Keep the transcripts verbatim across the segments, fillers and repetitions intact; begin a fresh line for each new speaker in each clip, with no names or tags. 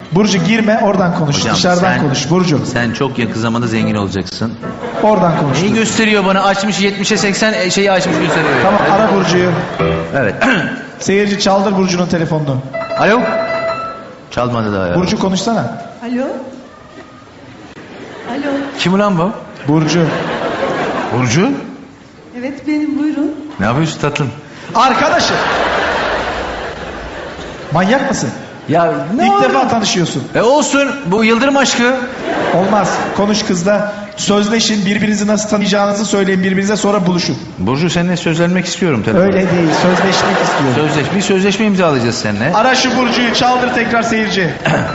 Burcu girme, oradan konuş.
Hocam,
Dışarıdan
sen-
konuş Burcu.
Sen çok yakın zamanda zengin olacaksın.
Oradan konuş.
Neyi gösteriyor bana? Açmış yetmişe seksen şeyi açmış gösteriyor.
Tamam, ara Burcu'yu.
Evet.
Seyirci çaldır Burcu'nun telefonunu.
Alo. Çalmadı daha ya.
Burcu konuşsana.
Alo? Alo?
Kim ulan bu?
Burcu.
Burcu.
Evet benim, buyurun.
Ne yapıyorsun tatlım?
Arkadaşım. Manyak mısın?
Ya ne
İlk
oldu?
defa tanışıyorsun.
E olsun. Bu Yıldırım aşkı.
Olmaz. Konuş kızla. Sözleşin. Birbirinizi nasıl tanıyacağınızı söyleyin birbirinize, sonra buluşun.
Burcu, seninle sözlenmek istiyorum tabii.
Öyle değil. Sözleşmek istiyorum.
Sözleş, bir sözleşme imzalayacağız seninle.
Ara şu Burcu'yu. Çaldır tekrar seyirci.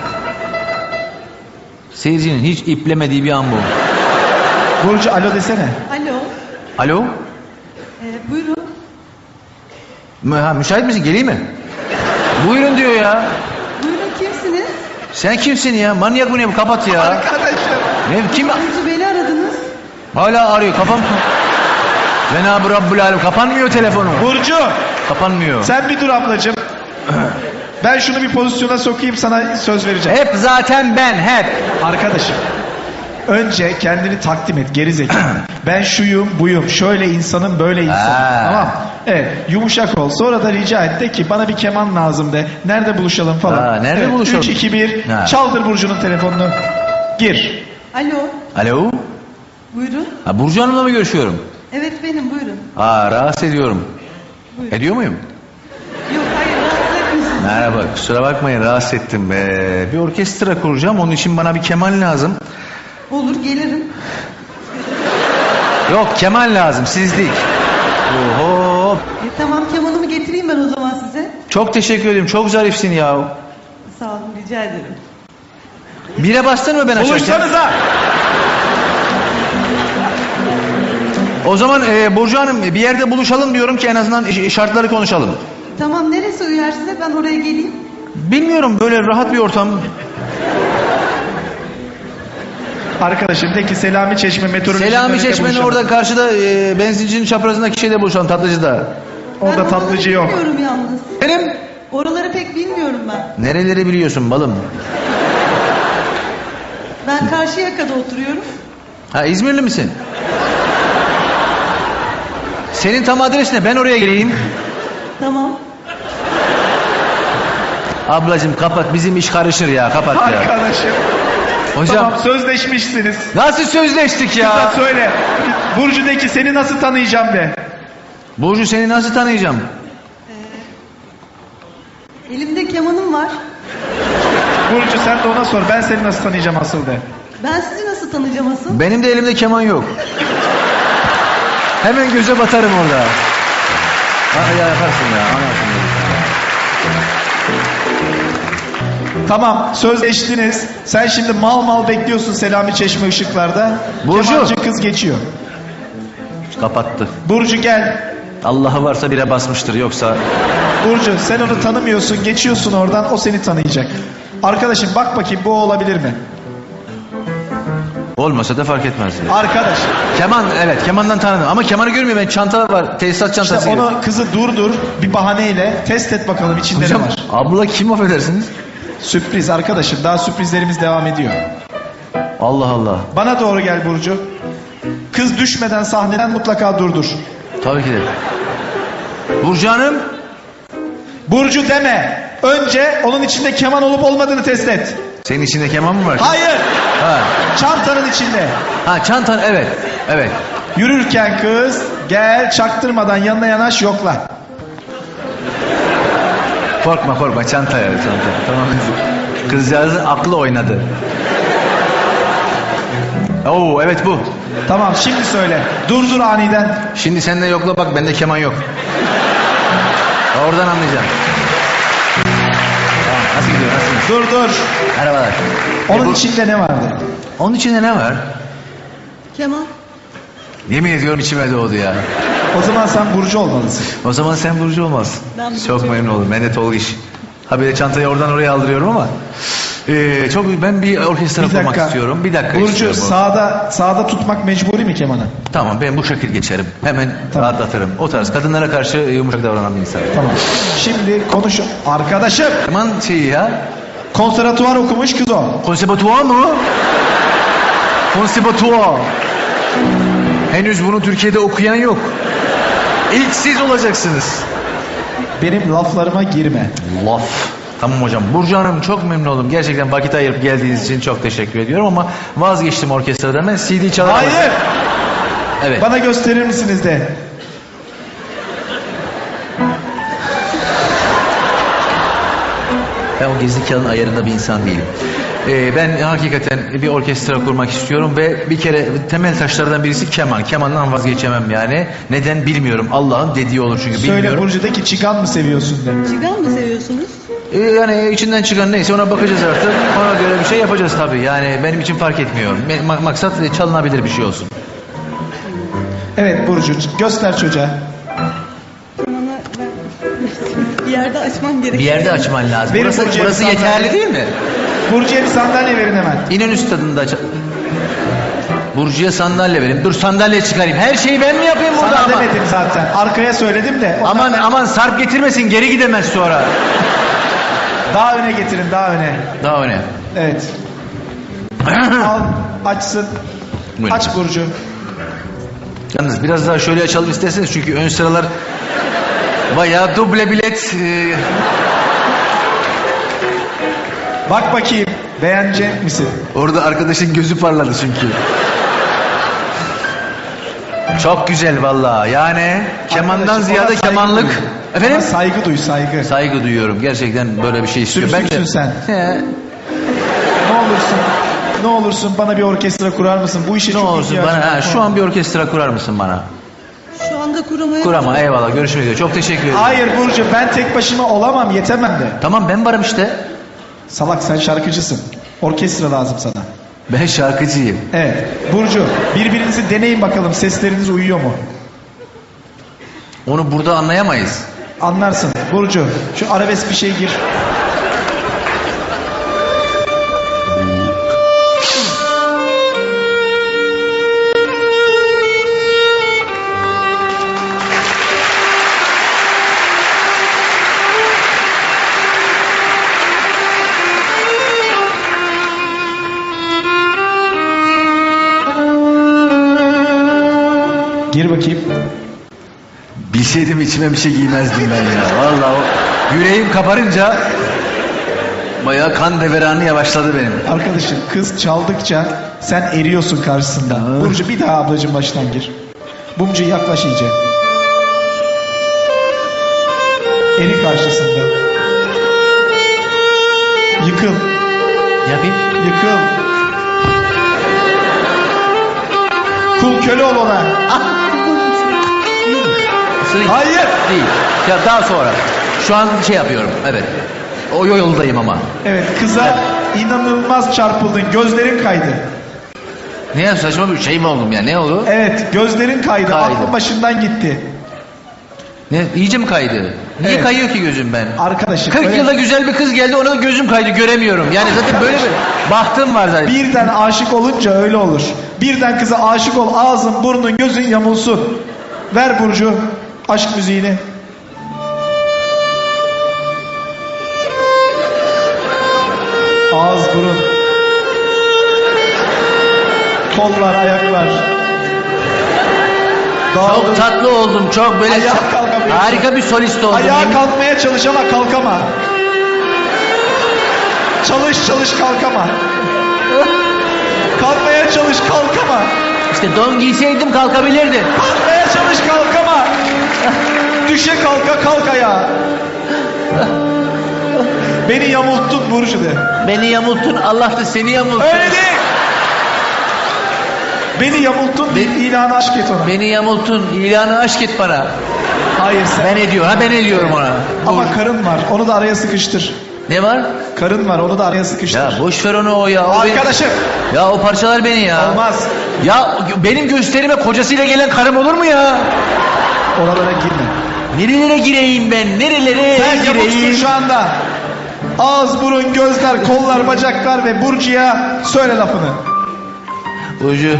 Seyircinin hiç iplemediği bir an bu.
Burcu alo desene.
Alo?
Alo.
Ee, buyurun.
Mü- Ha, müsait misin? Geleyim mi? Buyurun diyor ya.
Buyurun, kimsiniz?
Sen kimsin ya? Manyak mı ne bu? Kapat ya.
Arkadaşım.
Ne kim?
Burcu, beni aradınız.
Hala arıyor. Kafam. Cenab-ı Rabbül Alem. Kapanmıyor telefonu.
Burcu.
Kapanmıyor.
Sen bir dur ablacığım. Ben şunu bir pozisyona sokayım, sana söz vereceğim.
Hep zaten ben hep.
Arkadaşım. Önce kendini takdim et, geri zekalı. Ben şuyum, buyum, şöyle insanım, böyle insanım.
Ha.
Tamam. Evet, yumuşak ol. Sonra da rica et de ki bana bir keman lazım de. Nerede buluşalım falan.
Ha, nerede
evet,
buluşalım?
üç, iki, bir.
Ha.
Çaldır Burcu'nun telefonunu. Gir.
Alo?
Alo.
Buyurun.
Ha, Burcu Hanım'la mı görüşüyorum?
Evet benim, buyurun.
Aa, rahatsız ediyorum.
Buyurun.
Ediyor muyum?
Yok, hayır, rahatsız etmiyorsunuz.
Merhaba, kusura bakmayın, rahatsız ettim. Ee, bir orkestra kuracağım, onun için bana bir keman lazım.
Olur, gelirim.
Yok, keman lazım, siz değil. Oho.
E, tamam, kemanımı getireyim ben o zaman size.
Çok teşekkür ederim, çok zarifsin ya.
Sağ olun, rica ederim.
Bire bastın mı ben açarken?
Buluşsanıza.
O zaman e, Burcu Hanım, bir yerde buluşalım diyorum ki en azından ş- şartları konuşalım.
Tamam, neresi uyar size? Ben oraya geleyim.
Bilmiyorum, böyle rahat bir ortam.
Arkadaşım de ki Selami Çeşme meteoroloji.
Selami Çeşme'nin orada karşıda e, benzincinin çaprazındaki şeyde buluşalım, tatlıcıda.
Orada
Ben
tatlıcı
oraları
yok.
bilmiyorum yalnız.
Benim?
Oraları pek bilmiyorum ben.
Nereleri biliyorsun balım?
Ben Karşıyaka'da oturuyorum.
Ha, İzmirli misin? Senin tam adres ne? Ben oraya geleyim.
Tamam.
Ablacığım kapat, bizim iş karışır ya, kapat ya.
Arkadaşım.
Hocam
Tamam, sözleşmişsiniz.
nasıl sözleştik
Kıza
ya?
söyle. Burcu de ki seni nasıl tanıyacağım de.
Burcu, seni nasıl tanıyacağım?
Elimde kemanım var.
Burcu sen de ona sor. Ben seni nasıl tanıyacağım asıl de.
Ben sizi nasıl tanıyacağım asıl?
Benim de elimde keman yok. Hemen göze batarım orada. Ha, ya yaparsın ya, anlarsın ya.
Tamam, sözleştiniz. Sen şimdi mal mal bekliyorsun Selami Çeşme ışıklarda.
Burcu.
Kemancı kız geçiyor.
Kapattı.
Burcu gel.
Allah'ı varsa bire basmıştır, yoksa...
Burcu sen onu tanımıyorsun. Geçiyorsun oradan, o seni tanıyacak. Arkadaşım bak bakayım bu olabilir mi?
Olmasa da fark etmez. Yani.
Arkadaş.
Keman, evet, kemandan tanıdım. Ama kemanı görmüyor, ben çanta var, tesisat çantası
İşte
gibi.
onu kızı durdur bir bahaneyle test et bakalım içinde
Hocam,
ne var.
abla kim, affedersiniz?
Sürpriz arkadaşım, daha sürprizlerimiz devam ediyor.
Allah Allah.
Bana doğru gel Burcu. Kız düşmeden sahneden mutlaka durdur.
Tabii ki de. Burcu Hanım.
Burcu deme. Önce onun içinde keman olup olmadığını test et.
Senin içinde keman mı var?
Hayır.
Ha.
Çantanın içinde.
Ha, çantan, evet. Evet.
Yürürken kız gel çaktırmadan yanına yanaş yokla.
Korkma korkma, çanta ya, çanta. Tamam. Kızcağızın aklı oynadı. Oo, evet bu.
Tamam şimdi söyle. Durdur aniden.
Şimdi sen de yokla bak, bende keman yok. Oradan anlayacağım. Tamam, nasıl gidiyor, nasıl?
Dur dur.
Merhabalar.
Onun
E, bu-
içinde ne vardı?
Onun içinde ne var?
Keman.
Yemin ediyorum içime doğdu ya.
O zaman sen Burcu olmalısın.
O zaman sen Burcu olmazsın.
Ben Burcu.
Çok memnun oldum. Ben de Tolga iş. Ha, böyle çantayı oradan oraya aldırıyorum ama. Ee, çok ben bir orkestra
Bir
kurmak
dakika.
istiyorum. Bir dakika
Burcu
istiyorum.
sağda sağda tutmak mecburi mi kemanı?
Tamam, ben bu şekil geçerim. Hemen
Tamam.
rahatlatırım. O tarz kadınlara karşı yumuşak davranan bir insan.
Tamam. Şimdi konuş arkadaşım.
Keman şeyi ya.
Konservatuvar okumuş kız o.
Konservatuvar mı? Konservatuvar. Henüz bunu Türkiye'de okuyan yok. İlk siz olacaksınız.
Benim laflarıma girme.
Laf. Tamam hocam. Burcu Hanım çok memnun oldum. Gerçekten vakit ayırıp geldiğiniz için çok teşekkür ediyorum ama vazgeçtim orkestradan. Ben C D çalarım.
Hayır.
Evet.
Bana gösterir misiniz de?
Ben o gizli kağıdın ayarında bir insan değilim. Ee, ben hakikaten bir orkestra kurmak istiyorum ve bir kere temel taşlardan birisi keman. Kemandan vazgeçemem yani. Neden bilmiyorum. Allah'ın dediği olur çünkü
Söyle
bilmiyorum.
Burcu'daki çıkan mı seviyorsun de?
Cigan mı seviyorsunuz?
Ee, yani içinden çıkan neyse ona bakacağız artık. Ona göre bir şey yapacağız tabii. Yani benim için fark etmiyor. Ma- maksat çalınabilir bir şey olsun.
Evet Burcu, göster çocuğa.
Kemanı ben bir yerde açmam gerekiyor.
Bir yerde açman lazım.
Benim
Burası,
Burcu'ya
burası
bir sandalye.
yeterli değil mi?
Burcu'ya bir sandalye verin hemen.
İnönü stadında aç. Burcu'ya sandalye verin. Dur sandalye çıkarayım. Her şeyi ben mi yapayım burada
Sana
ama?
demedim zaten. Arkaya söyledim de. ondan
Aman
ben-
aman sarp getirmesin geri gidemez sonra.
Daha öne getirin, daha öne.
Daha öne.
Evet. Al, açsın.
Buyurun.
Aç Burcu.
Yalnız biraz daha şöyle açalım isterseniz çünkü ön sıralar bayağı duble bilet. e,
Bak bakayım. Beğenecek misin?
Orada arkadaşın gözü parladı çünkü. Çok güzel vallahi. Yani kemandan
Arkadaşım,
ziyade
ona saygı
kemanlık.
duy.
Efendim?
Ona saygı duy, saygı.
Saygı duyuyorum. Gerçekten böyle bir şey istiyorum.
Sümsüksün sen.
He,
Ne olursun, ne olursun bana bir orkestra kurar mısın? Bu işe
ne
çok
olursun
ihtiyacım
bana.
var.
Ha, şu an bir orkestra kurar mısın bana?
Şu anda kuramaya...
Kurama eyvallah. Görüşmek üzere. Çok teşekkür ederim.
Hayır Burcu, ben tek başıma olamam, yetemem de.
Tamam ben varım işte.
Salak, sen şarkıcısın. Orkestra lazım sana.
Ben şarkıcıyım.
Evet. Burcu, birbirinizi deneyin bakalım. Sesleriniz uyuyor mu?
Onu burada anlayamayız.
Anlarsın. Burcu, şu arabesk bir şey gir. Gir bakayım.
Bilseydim içime bir şey giymezdim ben ya. Vallahi o yüreğim kaparınca bayağı kan deveranı yavaşladı benim.
Arkadaşım, kız çaldıkça sen eriyorsun karşısında.
Aa.
Burcu, bir daha ablacığım baştan gir. Bumcu yaklaş iyice. Eri karşısında. Yıkıl.
Yapayım.
Yıkıl. Kul köle ol ona.
Isırayım.
Hayır.
Değil. Ya daha sonra. Şu an şey yapıyorum. Evet. O yoldayım ama.
Evet, kıza inanılmaz çarpıldın. Gözlerin kaydı.
Ne ya saçma bir şey mi oldum ya? Ne oldu?
Evet, gözlerin kaydı.
Kaydı.
Aklın başından gitti.
Ne? İyice mi kaydı? Niye
Evet.
kayıyor ki gözüm ben?
Arkadaşım.
kırk
öyle-
yılda güzel bir kız geldi ona da gözüm kaydı göremiyorum. Yani zaten böyle bir bahtım var zaten.
Birden aşık olunca öyle olur. Birden kıza aşık ol, ağzın, burnun, gözün yamulsun. Ver Burcu aşk müziğini. Ağız, burun. Kollar, ayaklar. Dağılın.
Çok tatlı oldum. Çok böyle
Ayağa kalkamıyorsun.
harika bir solist oldum.
Ayağa
Yemin-
kalkmaya çalış ama kalkama. Çalış çalış kalkama. Kalkmaya çalış kalkama.
İşte don giyseydim kalkabilirdim.
Kalkmaya çalış kalkama. Düşe kalka kalk ayağa. Beni yamulttun Burcu de.
Beni yamulttun Allah da seni yamultsun.
Öyle değil. Beni yamulttun deyip ilanı aşk et ona.
Beni yamulttun ilanı aşk et bana.
Hayır sen.
Ben ediyor ha ben ediyorum ona.
Ama karın var. Onu da araya sıkıştır.
Ne var?
Karın var. Onu da araya sıkıştır.
Ya boş ver onu o ya. O benim-
Arkadaşım.
Ya o parçalar beni ya.
Olmaz.
Ya benim gösterime kocasıyla gelen karım olur mu ya?
Oralara girme.
Nerelere gireyim ben? Nerelere
Sen yamuksun
gireyim?
şu anda. Ağız, burun, gözler, kollar, bacaklar ve Burcu'ya söyle lafını.
Burcu.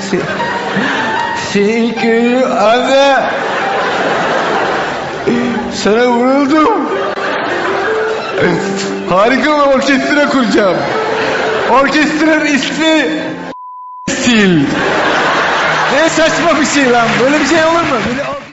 Çünkü anne. Sana vuruldum. Harika bir orkestra kuracağım. Orkestranın ismi Sil. Ne saçma bir şey lan. Böyle bir şey olur mu? Böyle